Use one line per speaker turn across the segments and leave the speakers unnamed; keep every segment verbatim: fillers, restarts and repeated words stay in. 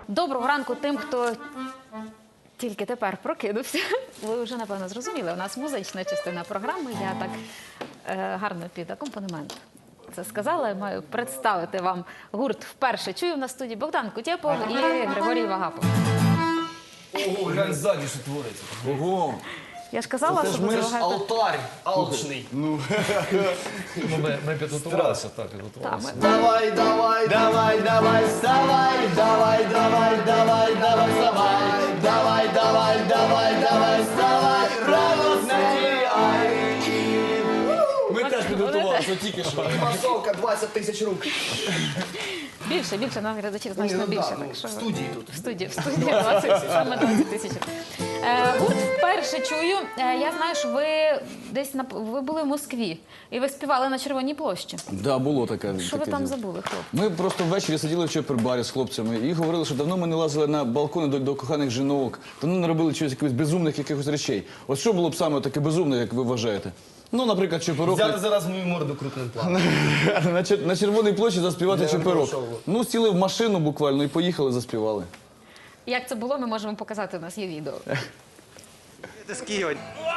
Доброго ранку тим, хто тільки тепер прокинувся. Ви вже, напевно, зрозуміли, у нас музична частина програми. Я так е, гарно під акомпанемент це сказала. Я маю представити вам гурт вперше. Чую на студії Богдан Кутєпов і Григорій Вагапов.
Ого, глянь ззаді, що твориться.
Ого!
Я ж казала, що буде багато...
Алтарь алчний.
Ну,
Ми, ми підготувалися, так, підготувалися.
Давай, давай, давай, давай, вставай, давай, давай, давай, давай, вставай, давай, давай, давай, давай, вставай, радостний ай.
ми теж підготувалися тільки що.
Масовка двадцять тисяч рук.
Більше, більше, нам глядачів значно
Ну,
більше.
да, ну,
Так що...
в студії тут.
В студії, в студії двадцять, саме двадцять тисяч. Е, гурт вперше чую. Е, я знаю, що ви десь на, ви були в Москві і ви співали на Червоній площі.
Да, було таке.
Що ви
таке
там
діло.
забули, хлопці?
Ми просто ввечері сиділи в чопербарі з хлопцями і говорили, що давно ми не лазили на балкони до, до коханих жінок, давно не робили чогось якихось безумних якихось речей. От що було б саме таке безумне, як ви вважаєте? Ну, наприклад, чоперок.
Взяти зараз мою морду крупним планом.
на, чер- на Червоній площі заспівати
Для
чоперок.
шоу.
Ну, сіли в машину буквально і поїхали, заспівали.
Як це було, ми можемо показати, у нас є відео.
З Києва.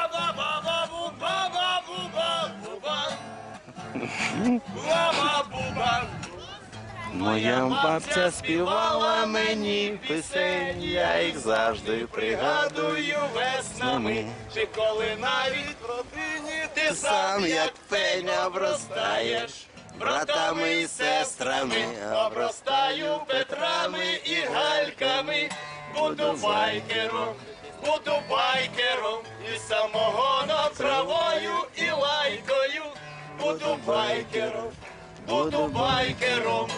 Моя бабця співала мені пісень, я їх завжди пригадую веснами. Чи коли навіть в родині ти сам, як феня, обростаєш братами і сестрами, обростаю Петрами і Гальками, буду байкером, буду байкером, і самогоном, травою і лайкою, буду байкером, буду байкером.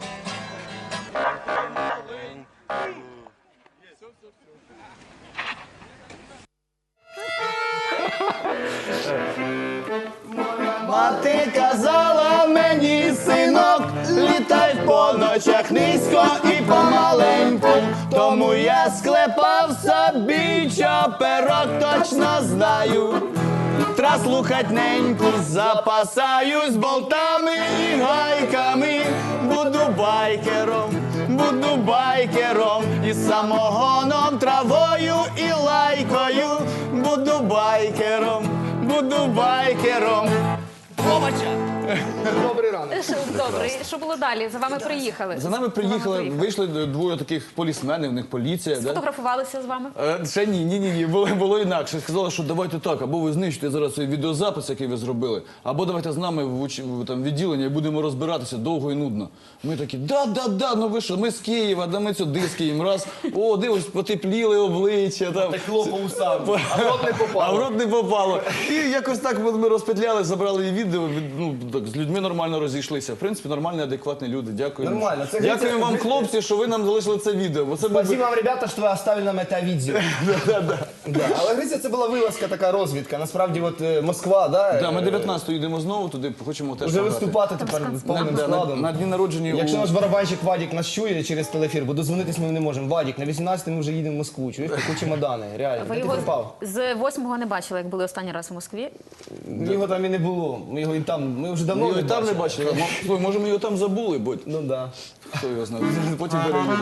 Мати казала мені, синок, літай по ночах низько і помаленьку. Тому я склепав собі чоперок, точно знаю. Трасу хатненьку запасаюсь болтами і гайками. Буду байкером, буду байкером, і самогоном, травою і лайкою. Буду байкером, буду байкером. Овоча! Добрий ранок.
Добре, і що було далі? За вами приїхали.
За нами приїхали, вийшли дворе таких полісменів, в них поліція. Да?
Сфотографувалися з вами?
Е, Ще ні, ні, ні, ні, було, було інакше. Сказали, що давайте так, або ви знищите зараз цей відеозапис, який ви зробили, або давайте з нами в, уч... в там, відділення і будемо розбиратися довго і нудно. Ми такі, да, да, да, ну ви що, ми з Києва, да ми сюди з Києва, раз, о, дивись, потепліли обличчя. Там.
Текло по усам, а в рот не
А в
попало.
рот не попало. І якось так ми розпетляли, забрали відео, від, ну, так, з людьми нормально розійшлися. В принципі, нормальні, адекватні люди. Дякуємо.
Нормально. Це,
Дякуємо
це-
вам, хлопці, що ви нам залишили це відео. Бо це був би-
Спасибо вам, ребята, що ви оставили нам це відео. Да. Але Гриця, це була вилазка, така розвідка. Насправді, от е, Москва, да?
Да, ми
е,
дев'ятнадцятого йдемо знову туди, хочемо теж
Вже
пограти.
виступати тепер повним
На, на,
складом.
на дні народження
Якщо
у...
наш барабанщик Вадік нас чує через телефір, бо дозвонитись ми не можемо. Вадік, на вісімнадцятому ми вже їдемо в Москву. Чуєш, такі чемодани, реально.
Ви
Де ти
його
пропав?
з восьмого не бачили, як були останній раз у Москві?
Його там і не було. Ми його і там, ми вже давно
Ми його і там не бачили. Мо- Слухай, може ми його там забули, будь.
Ну да.
Хто його знає. Потім перевіримо.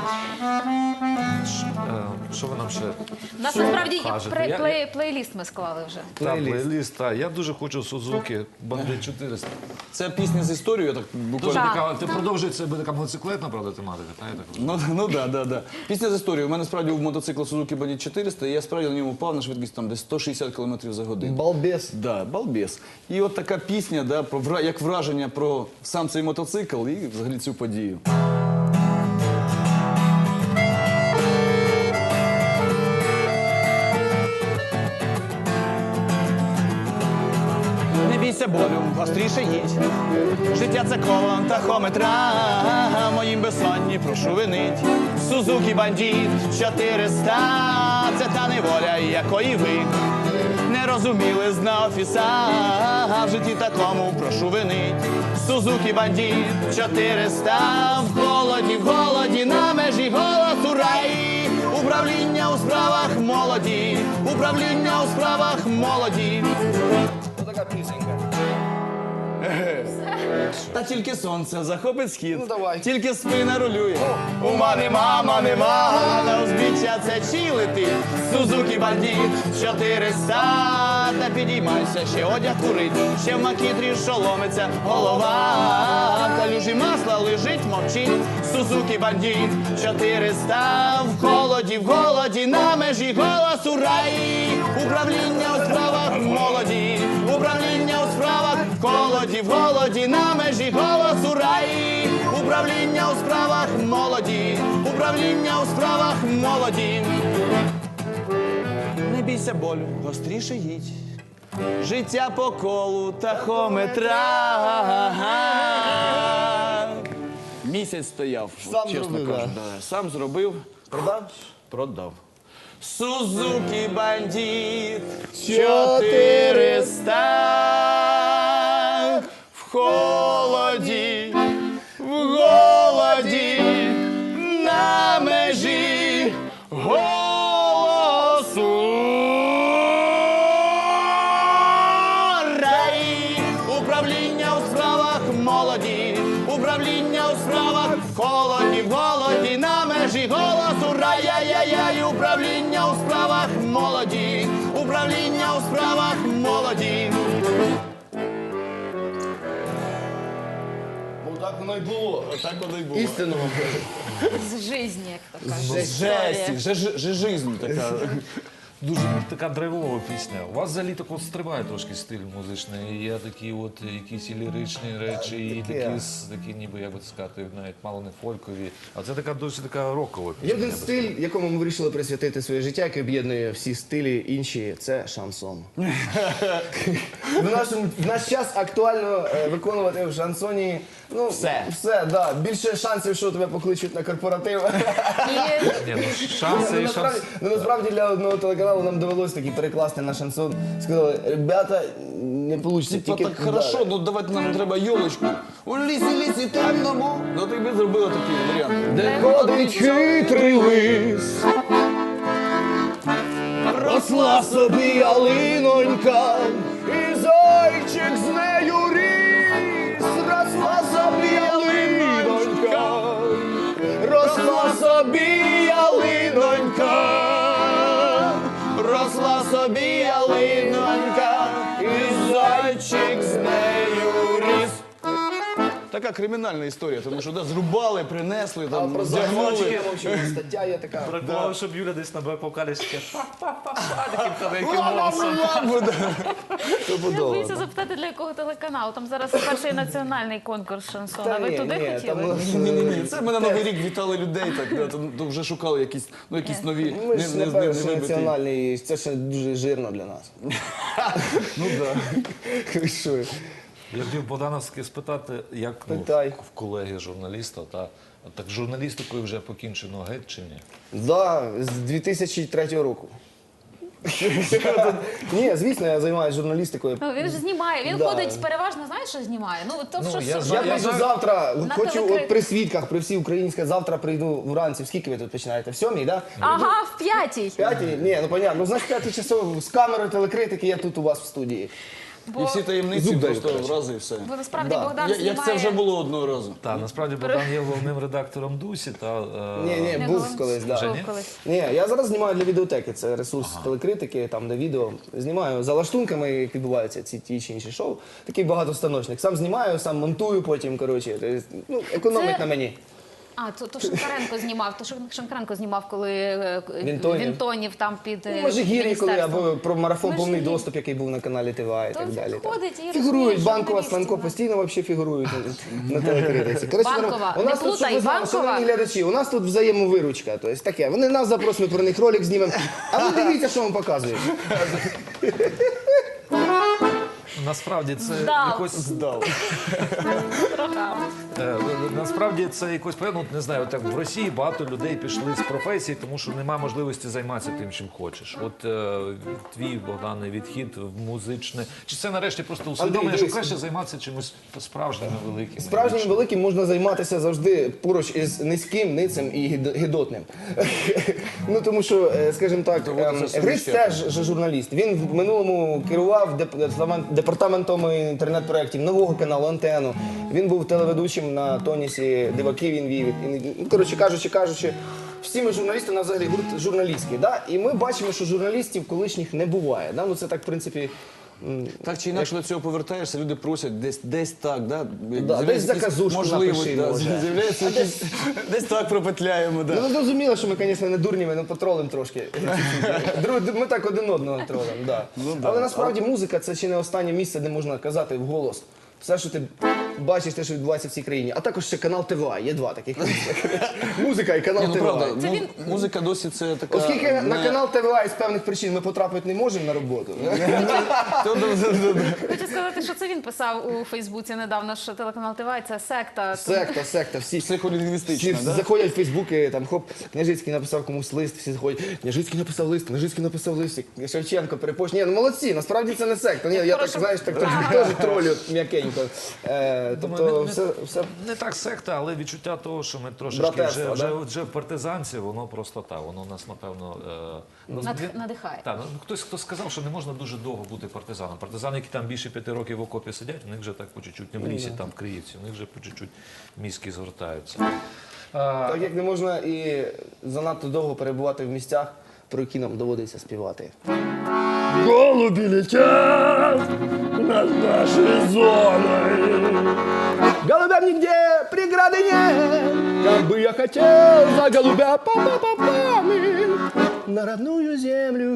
Е, Що ви нам ще?
У нас насправді і
Кажете,
плей-
я-
плей- плейліст ми склали вже.
Та,
Плейліст.
плейліст, та. Я дуже хочу Сузуки, Бандит чотириста.
Це пісня з історією, так
Дуже
буквально.
Так.
така, ти продовжуєш, це буде така мотоциклетна, правда, тематика, та, я так розумію?
Ну, ну да, да, да. Пісня з історією. У мене справді був мотоцикл Suzuki Bandit чотириста, і я справді на ньому впав на швидкість там десь сто шістдесят кілометрів за годину.
Балбес.
Да, балбес. І от така пісня, да, про вра- як враження про сам цей мотоцикл і взагалі цю подію.
Не бійся болю, гостріше їдь. Життя це коло тахометра, моїм безсонні прошу винить. Сузукі Бандит чотириста, це та неволя, якої ви не розуміли зна офіса, в житті такому прошу винить. Сузукі Бандит чотириста, в холоді, в голоді, на межі голосу рай. Управління у справах молоді, управління у справах молоді. Ось така пісенька. Та тільки сонце захопить схід,
Ну, давай.
тільки спина рулює. Ума нема, ма нема, на узбіччя це чи летить. Сузуки бандит чотириста, та підіймайся, ще одяг курить, ще в макітрі шоломиться голова. В калюжі масла лежить, мовчить. Сузуки бандит чотириста, в холоді, в голоді, на межі голосу рай. Управління у справах молоді, управління у справах в холоді, в голоді, на межі голосу рай. Управління у справах молоді, управління у справах молоді. Не бійся болю, гостріше їдь. Життя по колу тахометра. Місяць стояв,
Сам
чесно
зробив,
кажу.
да.
Да. Сам зробив.
Продав?
Продав. Сузуки бандит чотириста, в холоді, в голоді, на межі голосу рай. Управління у справах молоді, управління у справах в холоді, в голоді, на межі голосу рай. Яй-яй-яй, управління у справах молоді, управління у справах молоді.
Бо так воно й було.
Так воно й було.
Істинно.
З житті, як то кажуть.
Жесті, жеж- жежизм така.
Дуже така драйвова пісня. У вас взагалі так от стрибає трошки стиль музичний. Є такі от якісь і ліричні речі, і такі, с- такі ніби, як би це сказати, навіть мало не фолькові. А це така дуже така рокова
Є
пісня.
один
я би
стиль, якому ми вирішили присвятити своє життя, який об'єднує всі стилі інші, це шансон. В, нашому, в наш час актуально е, виконувати в шансоні ну,
Все.
все, да. Більше шансів, що тебе покличуть на корпоратив.
І
Ні, ну шанси
Ну,
і
насправді,
шанси.
ну, насправді для одного телеканалу нам довелося таки перекласти на шансон. Сказали, ребята, не вийде.
Типа так хорошо, ну давайте нам треба йолочку. У лісі, лісі темному. Ну так ми зробили такий варіант.
Де ходить хитрий лис, росла собі ялинонька, і зайчик з нею ріс, росла собі ялинонька, росла собі ялинонька,
Росла собі ялинонька, і зайчик з нею ріс. Така кримінальна історія, тому що да, зрубали, принесли,
А
там,
про
вдягнули.
зайчики я мовчу, стаття є така.
Бракувало, щоб Юля десь на бек-вокалі ще па-па-па-па, таким тоненьким голосом.
я боюся запитати, для якого телеканалу. Там зараз перший національний конкурс шансона. Ви
ні,
туди
ні,
хотіли?
там у нас,
Ні, ні, ні, це ми на Новий рік вітали людей, так, да, то, то вже шукали якісь, ну, якісь нові,
Ми ж не
не
перший
вибиті.
національний, це ще дуже жирно для нас.
Ну так.
Ви що?
Я хотів Богдановське спитати, як ну,
Питай.
в колеги журналіста, та так журналістикою вже покінчено геть чи ні?
Да, з дві тисячі третього року. Ні, звісно, я займаюся журналістикою.
Ну, він ж знімає, він
Да.
ходить переважно, знаєш, що знімає? Ну, то,
Ну,
що
я
ж-
знаю,
Я хочу завтра,
На
хочу
телекрит-
от при свідках, при всій українській, завтра прийду вранці. В скільки ви тут починаєте? В сьомій, так? Да?
Ага, в п'ятій.
П'ятій? Ні, ну понятно. Ну, значить, п'ятий часов з камерою телекритики я тут у вас в студії.
І всі таємниці
Зуб даю,
просто
коротше.
врази і все.
Бо насправді
Да.
Богдан
Я-
знімає...
Як це вже було одного разу.
Так, насправді Богдан є головним редактором Дусі, та е,
Ні, ні,
Не
був
голим-
колись,
Вже
да.
ні?
колись.
Ні, я зараз знімаю для відеотеки. Це ресурс телекритики, там де відео. Знімаю за лаштунками, як відбуваються ці ті чи інші шоу. Такий багатостаночник. Сам знімаю, сам монтую потім. Коротше, Тобто, ну, економить
Це-
на мені.
А, то, то Шинкаренко знімав, то Шин- Шинкаренко знімав, коли е,
Вінтонів.
Вінтонів там під е,
Ну, Межигір'ї, коли
міністерством.
або про марафон повний
Межигір'я.
доступ, який був на каналі ТВА і
То
так
він
далі. так.
ходить і
Фігурують,
розуміє
Банкова,
журналістів,
Сланко
да.
постійно вообще фігурують на, на телекритиці. Коротше,
Банкова,
у нас
не
тут, щоб
плутай,
ви знали,
Банкова.
шановні глядачі, у нас тут взаємовиручка. Тобто таке, вони нас запросять, ми про них ролик знімемо. А ви дивіться, що вам показують.
насправді це
Здав.
якось
Здав.
Е, Насправді це якось певно, не знаю, так в Росії багато людей пішли з професії, тому що немає можливості займатися тим, чим хочеш. От е, твій Богдане відхід в музичне. Чи це нарешті просто усвідомлення, що
дивись.
краще займатися чимось справжніми великими?
Справжнім великим можна займатися завжди поруч із низьким, ницем і гід- гидотним. Ну тому що, е, скажімо так,
Доводиться
ем, Гриць
совміщати.
теж же журналіст. Він в минулому керував деп- департамент- департаментом департаментом інтернет-проєктів нового каналу «Антенну». Він був телеведучим на тонісі «Диваки» він вів. І, ну, коротше, кажучи, кажучи, всі ми журналісти, у нас взагалі гурт журналістський. Да? І ми бачимо, що журналістів колишніх не буває. Да? Ну, це так, в принципі, м,
Так чи інакше до цього повертаєшся, люди просять десь, десь так, да?
Да, десь заказушку
можливо,
напиши,
да,
може.
з'являється якісь, десь так пропетляємо, да.
ну, ви зрозуміли, що ми, звісно, не дурні, ми ну, потролимо трошки. Друг- Ми так один одного тролимо, да. Але насправді музика це чи не останнє місце, де можна казати вголос все, що ти бачиш, те, що відбувається в цій країні. А також ще канал ТВА, є два таких місця. Музика і канал
Ні, ну правда,
ТВА.
му- музика досі це така...
Оскільки на
не-
канал ТВА із певних причин ми потрапити не можемо на роботу.
То- то- то- то-
Хочу сказати, що це він писав у Фейсбуці недавно, що телеканал ТВ – це секта.
Секта, секта, всі всі
Психолінгвістична, да?
заходять в Фейсбуки, там хоп, Княжицький написав комусь лист, всі заходять, Княжицький написав лист, Княжицький написав лист, Шевченко перепост. Ні, ну молодці, насправді це не секта. Ні, я так,
Хорошо.
знаєш, так трошки теж тролю м'якенько. Е,
Думаю,
Тобто
не- не-
все, все
Не так секта, але відчуття того, що ми трошечки
Братерство,
вже, вже,
да?
вже в партизанці, воно просто так, воно нас, напевно... Е, ну,
Над-
він-
надихає.
Так, ну, хтось хто сказав, що не можна дуже довго бути партизаном. Партизани, які там більше п'яти років в окопі сидять, у них вже так по чуть-чуть, не в лісі, там в Криївці, у них вже по чуть-чуть мізки згортаються. А,
так як не можна і занадто довго перебувати в місцях, про які нам доводиться співати. Голуби летят над нашей зоной. Голубям нигде преграды нет. Как бы я хотел за голубя па-па-па-пами на родную землю.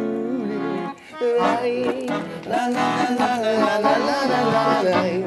Ай, на-на-на-на-на-на-на-на-на-на.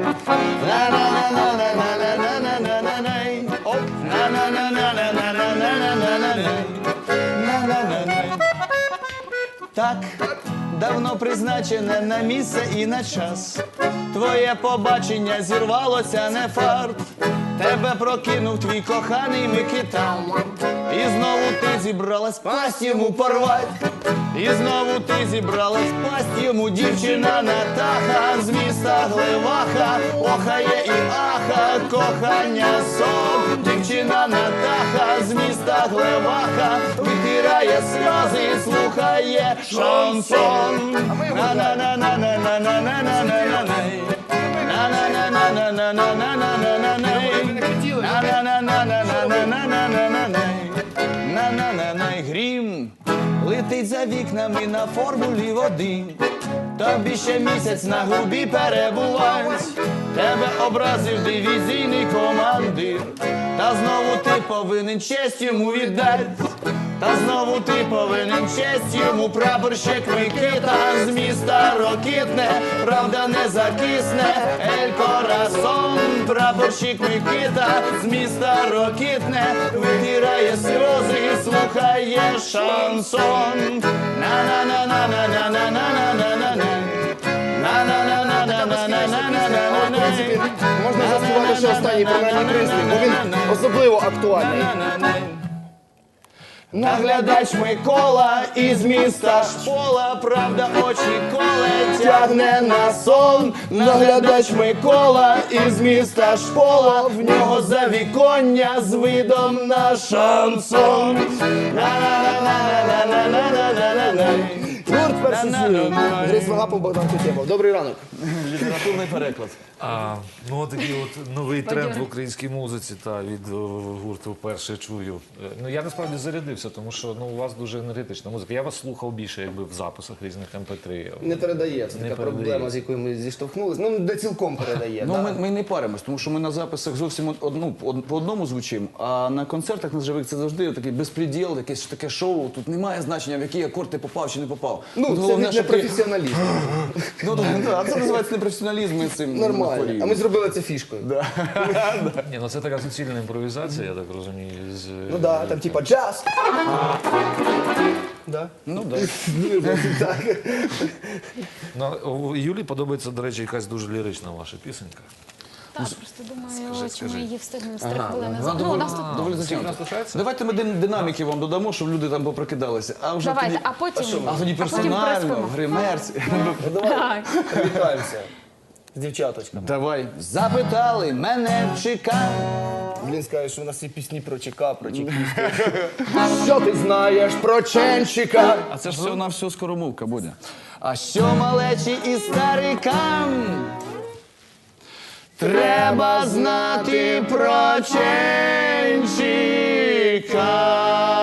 На-на-на-на-на-на-на-на-на-на-на. Оп. На-на-на-на-на-на-на-на-на-на. На-на-на-на. Так, давно призначене на місце і на час. Твоє побачення зірвалося не фарт. Тебе прокинув твій коханий Микита. І знову ти зібралась пасть йому порвать. І знову ти зібралась пасть йому дівчина Натаха з міста Глеваха. Охає і аха, кохання сон. Дівчина Натаха з міста Глеваха витирає сльози і слухає шансон. На-на-на-на-на-на-на-на-на-на. На-на-на-на-на-на-на-на-на-на. Грім летить за вікнами на формулі води. Тобі ще місяць на губі перебувать. Тебе образив дивізійний командир. Та знову ти повинен честь йому віддать. Та знову ти повинен честь йому, прапорщик Микита з міста Рокитне, правда не закисне, ель Корасон. Прапорщик Микита з міста Рокитне витирає сльози і слухає шансон. На-на-на-на-на-на-на-на-на-на. На-на-на-на-на-на-на-на-на-на.
Можна заспівати ще останній принаймні прислів, бо він особливо актуальний.
Наглядач Микола із міста Шпола, правда очі коле тягне на сон. Наглядач Микола із міста Шпола, в нього завіконня з видом на шансон. На-на-на-на-на-на-на-на-на-на.
Гурт перший зір. Андрій Свагапов, Богдан Кутєпов. Добрий ранок.
Літературний переклад.
А, ну, от такий от новий тренд
Бадьорий.
в українській музиці, та від е, гурту вперше чую. Е, Ну, я насправді зарядився, тому що ну, у вас дуже енергетична музика. Я вас слухав більше якби в записах різних ем пе три.
Не передає, це
Не
така
передає.
проблема, з якою ми зіштовхнулися. Ну, не цілком передає.
Ну,
да.
ми, ми не паримось, тому що ми на записах зовсім од- ну, од- по одному звучимо, а на концертах на живих це завжди такий безпреділ, якесь таке шоу. Тут немає значення, в який акорд ти попав чи не попав.
Ну,
Тут
це
головне,
від
щоб ти-
непрофесіоналізм.
Ну, то- да, це називається непрофесіоналізм і цим
Нормально.
хворіємо.
А ми зробили це фішкою.
Ні, ну це така суцільна імпровізація, я так розумію. З,
Ну да, там типа джаз. Да?
Ну, да.
Так.
Ну, у Юлі подобається, до речі, якась дуже лірична ваша пісенька.
Так, просто думаю,
Скажи,
ось
скажи.
ми її встигнемо з три хвилини.
Вона
за- Ну, у нас тут
доволі
Скільки
затягнута.
нас лишається?
Давайте ми дин- динаміки вам додамо, щоб люди там попрокидалися. А вже
давайте,
тоді,
а потім
а тоді
а потім
персонально,
приспимо.
в гримерці.
Так.
Привітаємося. З дівчаточками.
Давай. Запитали мене в ЧК.
Блін, скаже, що у нас є пісні про ЧК, про чекістів. Що ти знаєш про Ченчика?
А це ж все на все скоромовка, Бодя.
А що малечі і старикам треба знати про ченчика.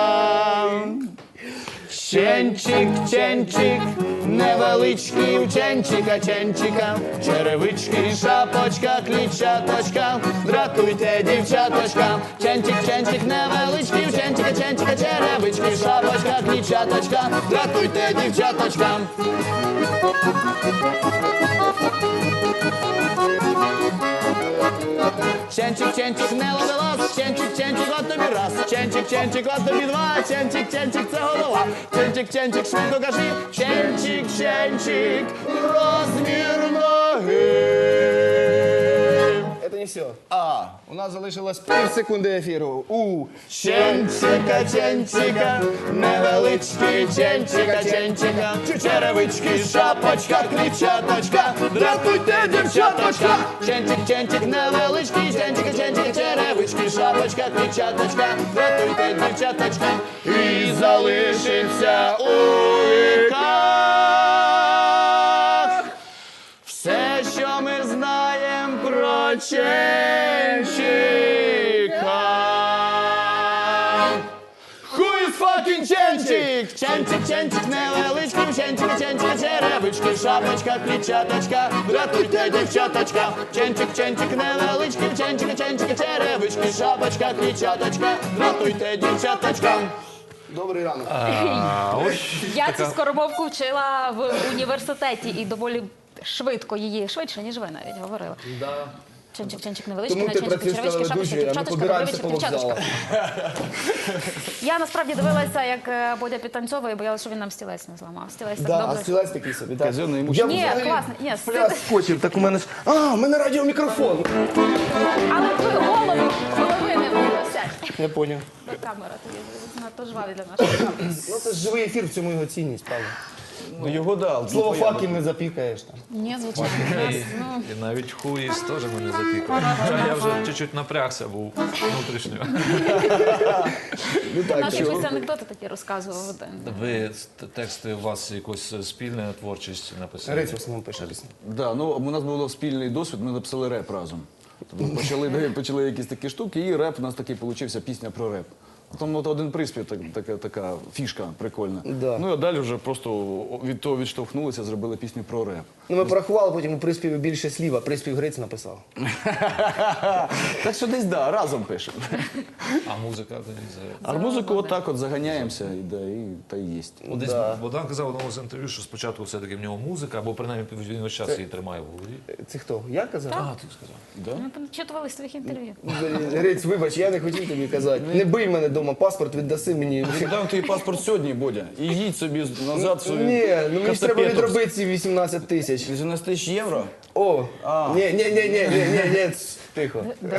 Ченчик, ченчик, невеличкий у ченчика, ченчика, черевички, шапочка, клітчаточка, дратуйте, дівчаточка. Ченчик, ченчик, невеличкий у ченчика, ченчика, черевички, шапочка, клітчаточка, дратуйте, дівчаточка. Ченчик, ченчик, не ловелас, ченчик, ченчик, от тобі раз, ченчик, ченчик, от тобі два, ченчик, ченчик, це голова, ченчик, ченчик, швидко кажи, ченчик, ченчик, розмір ноги.
Це не все.
А,
У нас залишилось пів секунди ефіру. У
ченчика, ченчика, невеличкий ченчика, ченчика, черевички, шапочка, клітчаточка, дратуйте, дівчаточка. Ченчик, ченчик, невеличкий, ченчика, ченчика, черевички, шапочка, клітчаточка, дратуйте, дівчаточка. І залишиться у віках все, що ми знаємо про ченчика. Who is fucking ченчик? Ченчик, ченчик, невеличкий, ченчика, ченчика, черевички, шапочка, клітчаточка, дратуйте, дівчаточка. Ченчик, ченчик, невеличкий, ченчика, ченчика, черевички, шапочка, клітчаточка, дратуйте, дівчаточка.
добрий ранок.
Я цю скоромовку вчила в університеті і доволі швидко її, швидше, ніж ви навіть говорили.
Да.
Ченчик, ченчик невеличкий,
Тому
на
ти
ченчик,
працюєш
черевички, шапочка,
телеведучою, а ми
дівчаточка,
побираємося
добровичок,
по
дівчаточка.
вокзалах.
Я насправді дивилася, як е, Бодя підтанцьовує, боялася, що він нам стілець не зламав. Стілець так
Да, а
добре.
стілець такий собі, так.
Казенний йому
Я
Ні,
взагалі
класно, ні,
пляс
стілець.
скочив, так у мене ж... А, у мене радіомікрофон.
Але твою голову, голови не виносять.
Я поняв.
До камера тобі занадто жваві для нашої камери.
Ну це ж живий ефір, в цьому його цінність, правда.
Ну, його дав.
Слово факів не запікаєш там.
Ні, звичайно. у нас, ну,
І навіть хуїс теж мене запікав. Хоча я вже чуть-чуть напрягся був внутрішньо.
Ну так,
Наші
що?
якісь анекдоти такі розказував.
Ви т- тексти у вас якось спільна творчість написали?
Грець в основному пише пісні.
Да, ну, у нас був спільний досвід, ми написали реп разом. Тобто почали, почали якісь такі штуки, і реп у нас такий получився, пісня про реп. Там от один приспів, так, така, така фішка прикольна.
Да.
Ну, а далі вже просто від того відштовхнулися, зробили пісню про реп.
Ну ми порахували, потім у приспіві більше слів, а приспів Грець написав.
Так що десь, да, разом пишемо.
А музика тоді за...
А музику отак от заганяємося, і, да, і та й єсть.
От Десь
Да.
Богдан казав в одному з інтерв'ю, що спочатку все-таки в нього музика, або принаймні він весь час її тримає в голові.
Це хто? Я казав?
А, ти сказав.
Ми там читували з твоїх інтерв'ю.
Грець, вибач, я не хотів тобі казати. Не бий мене вдома, паспорт віддаси мені.
Віддам твій паспорт сьогодні, Бодя, і їдь собі назад в свою
Ні, ну мені ж треба
Костопетовськ.
відробити ці вісімнадцять тисяч.
вісімнадцять тисяч євро?
О, ні, ні, ні, ні, ні, ні, ні, ц, тихо.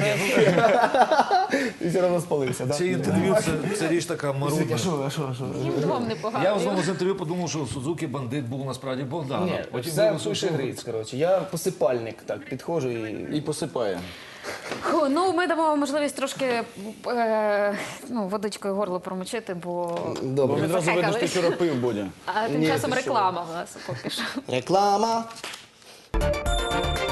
Ти все одно спалився, так?
Це інтерв'ю, це, це річ така марудна.
А що, а що, а що?
Їм двом
Я в
непогано.
одному з інтерв'ю подумав, що Сузуки бандит був насправді Богдан.
Ні,
Потім
все
виявилося,
пише
що-
Грець, коротше. Я посипальник, так, підходжу і...
І посипає.
Ху, ну, ми дамо можливість трошки е, ну, водичкою горло промочити, бо
Бо
Добре.
відразу видно, що ти вчора пив, Бодя.
а тим
Ні,
часом
ти що?
реклама в нас поки що.
Реклама.